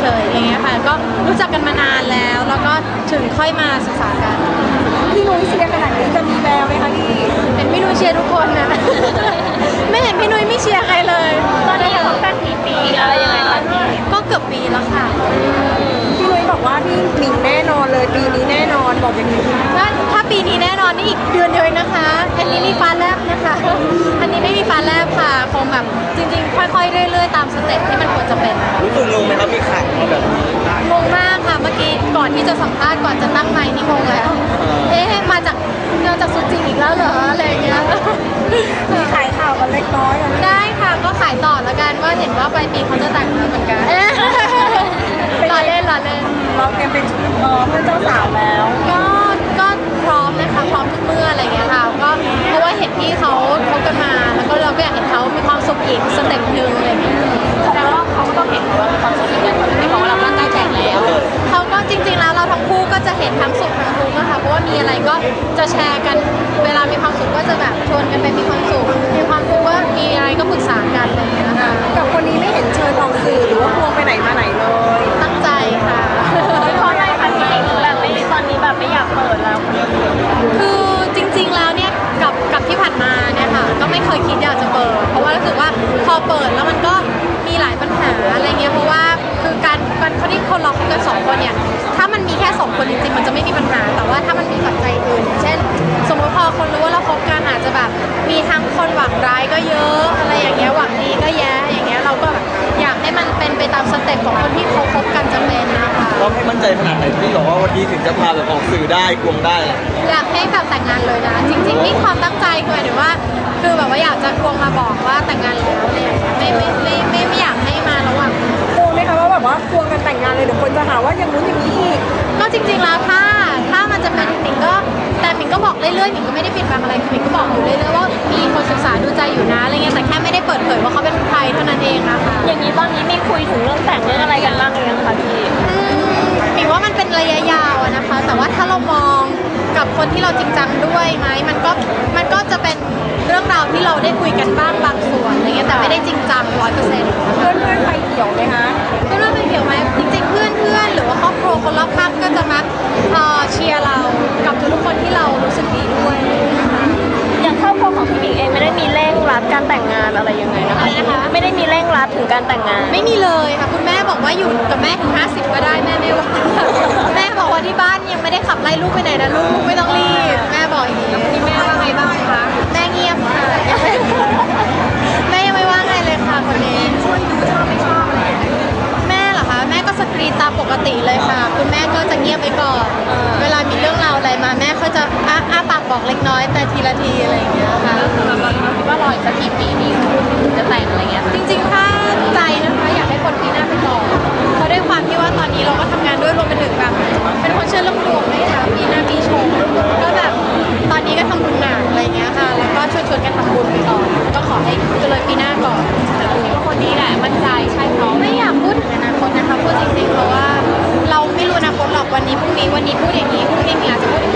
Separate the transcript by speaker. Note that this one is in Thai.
Speaker 1: ฉยๆอย่างเงี้ยค่ะก็รู้จักกันมานานแล้วก็ถึงค่อยมาศึกษากัน
Speaker 2: พี่นุ้ยเชียร์ขนาดนี้จะมีแววไหมคะพี่
Speaker 1: เป็นพี่นุ้ยเชียร์ทุกคนนะ ไม่เห็นพี่นุ้ยไม่เชียร์ใครเลย
Speaker 2: ตอนนี้คบกันกี่ปีอะไรยังไงคะพี่
Speaker 1: ก็เกือบปีแล้วค่ะ
Speaker 2: พี่นุ้ยบอกว่าพี่หมิงแน่นอนเลยปีนี้แน่นอนบอกอย่างนี้
Speaker 1: ถ้าปีนี้แน่นอนนี่อีกเดือนเดียวเองนะคะอันนี้มีฟ้าแลบนะคะอันนี้ไม่มีฟ้าแลบค่ะคงแบบจริงๆค่อยๆเรื่อยๆตามสเต็ปที่มันควรจะเป็น
Speaker 3: รู้สึกงงไหมครับมีข่าวมาแบบนี้
Speaker 1: งงมากค่ะเมื่อกี้ก่อนที่จะสัมภาษณ์ก่อนจะตั้งไมค์นี่งงแล้วมาจากสุจิงอีกแล้วเหรออะไรเงี้ย
Speaker 2: มีขายข่าวกันเล็กน้อย
Speaker 1: ได้ค่ะก็ขายต่อแล้วกันว่าเห็นว่าปลายปีเขาจะแต่งแล้วเหมือนกันรอเล่น
Speaker 2: เราเตรียมเป็นเพื่อนเจ้าสาวแล้ว
Speaker 1: ก็พร้อมนะคะพร้อมทุกเมื่ออะไรเงี้ยค่ะก็เพราะว่าเห็นที่เขาคบกันมาแล้วก็เราก็อยากเห็นเขามีความสุขอีกสเต็ปหนึ่งอะไรเงี้ย
Speaker 2: แต่ว่าเขาก็ต้องเห็นว่ามีความสุขอีกอย่างที่บอกว่าเราตั้งใจแต่งแล้ว
Speaker 1: เขาก็จริงๆแล้วเราทั้งคู่ก็จะเห็นทั้งสุขทั้งทุกข์นะคะเพราะว่ามีอะไรก็จะแชร์กันเวลามีความสุขก็จะแบบชวนกันไปมีความสุขมีความทุกข์ก็มีอะไรก็ปรึกษากันอะไรเงี้ยค่ะ
Speaker 2: กับคนนี้ไม่เห็นเชิญออกสื่อหรือว่าพวงไปไหนมาไหนเลย
Speaker 1: ตั้งใจค่ะ
Speaker 2: เพราะอะไรคะพี่หญิงแบบไม่ตอนนี้แบบไม่อยากเปิดแล้ว
Speaker 1: คือจริงๆแล้วเนี่ยกับที่ผ่านมาเนี่ยค่ะก็ไม่เคยคิดอยากจะเปิดเพราะว่ารู้สึกว่าพอเปิดแล้วมันก็มีหลายปัญหาอะไรเงี้ยเพราะว่าคือการเขาที่คนเราคบกัน2 คนเนี่ยถ้ามันมีแค่2 คนจริงๆมันจะไม่มีปัญหาแต่ว่าถ้ามันมีปัจจัยอื่นเช่นสมมติพอคนรู้ว่าเราคบกันอาจจะแบบมีทั้งคนหวังร้ายก็เยอะอะไรอย่างเงี้ยหวังดีก็แย่อย่างเงี้ยเราก็แบบอยากให้มันเป็นไปตามสเต็ปของคนที่เขาคบกันจะเป็นนะคะ
Speaker 3: เราให้มั่นใจขนาดไหนที่บอกว่าวันนี้ถึงจะพาแบบออกสื่อได้ควงได้
Speaker 1: อยากให้แบบแต่งงานเลยนะจริงๆนี่ความตั้งใจคือหมายถึงว่าคือแบบว่าอยากจะควงมาบอกว่าแต่งงานแล้วเนี่ยไม่อยากให้มาระหว่าง
Speaker 2: กลัวไหมคะว่าแบบว่าควงกันแต่งงานเลยเดี๋ยวคนจะหาว่าอย่างนู้นอย่างนี้อีก
Speaker 1: ก็จริงๆแล้วถ้ามันจะเป็นหมิงก็แต่หมิงก็บอกเรื่อยๆหมิงก็ไม่ได้ปิดบังอะไรคือหมิงก็บอกอยู่เรื่อยๆว่ามีคนศึกษาดูใจอยู่นะอะไรเงี้ยแต่แค่ไม่ได้เปิดเผยว่าเขาเป็นใครเท่านั้นเองนะคะ
Speaker 2: อย่างนี้ตอนนี้มีคุยถึงเรื่องแต่งเรื่องอะไรกันบ้างหรือยังคะพี่
Speaker 1: หมิงว่ามันเป็นระยะยาวนะคะแต่ว่าถ้าเรามองกับคนที่เราจริงจังด้วยไหมมันก็จะเป็นเรื่องราวที่เราได้คุยกันบ้างบางส่วนอะไรเงี้ยแต่ไม่ได้จริงจัง100%
Speaker 2: เพื่อนไปเกี่ยวไหมคะ
Speaker 1: เพื่อนไปเกี่ยวไหมจริงๆเพื่อนหรือว่าครอบครัวคนรอบข้างก็จะมาเชียร์เรากับทุกคนที่เรารู้สึกดีด้วย
Speaker 2: อย่างครอบครัวของพี่หมิงเองไม่ได้มีเร่งรัดการแต่งงานอะไรยังไงนะคะไม่ได้มีเร่งรัดถึงการแต่งงาน
Speaker 1: ไม่มีเลยค่ะคุณแม่บอกว่าอยู่กับแม่ถึง50ก็ได้แม่ไม่ว่าแม่บอกว่าที่บ้านยังไม่ได้ขับไล่ลูกไปไหนนะลูกไม่ต้องรีบแม่บอกอย่างนี้
Speaker 2: แม่ว่าไงบ้างคะ
Speaker 1: แม่เงียบค่ะแม่ยังไม่ว่าไงเลยค่ะคนนี้
Speaker 2: ช่วยดูชอบไม่ชอบอะไร
Speaker 1: แม่เหรอคะแม่ก็สกรีนตามปกติเลยค่ะคุณแม่ก็จะเงียบไปก่อนเวลามีเรื่องราวอะไรมาแม่ก็จะอ้าปากบอกเล็กน้อยแต่ทีละทีอะไรอย่างเงี้ยค่ะ
Speaker 2: เราคิดว่ารออีกสักกี่ปีดีจะแต่งอะไรเงี้ย
Speaker 1: จริงๆถ้าใจนะคะอยากให้คนปีหน้าไปก่อนเพราะด้วยความที่ว่าตอนนี้เราก็ทำงานด้วยรวมไปถึงแบบเป็นคนเชื่อเรื่องดวงด้วยค่ะปีหน้าปีชงก็แบบตอนนี้ก็ทำบุญหนักอะไรเงี้ยค่ะแล้วก็ชวนกันทำบุญไปก่อนก็ขอให้เลยปีหน้าก่อน
Speaker 2: คิดว่าคนนี้แหละมั่นใจใช่เขา
Speaker 1: ไม่อยากพูดถึงอนาคตนะคะพูดจริงๆเพราะว่าเราไม่รู้อนาคตหรอกวันนี้พรุ่งนี้พูดอย่างนี้พรุ่งนี้อาจจะพูด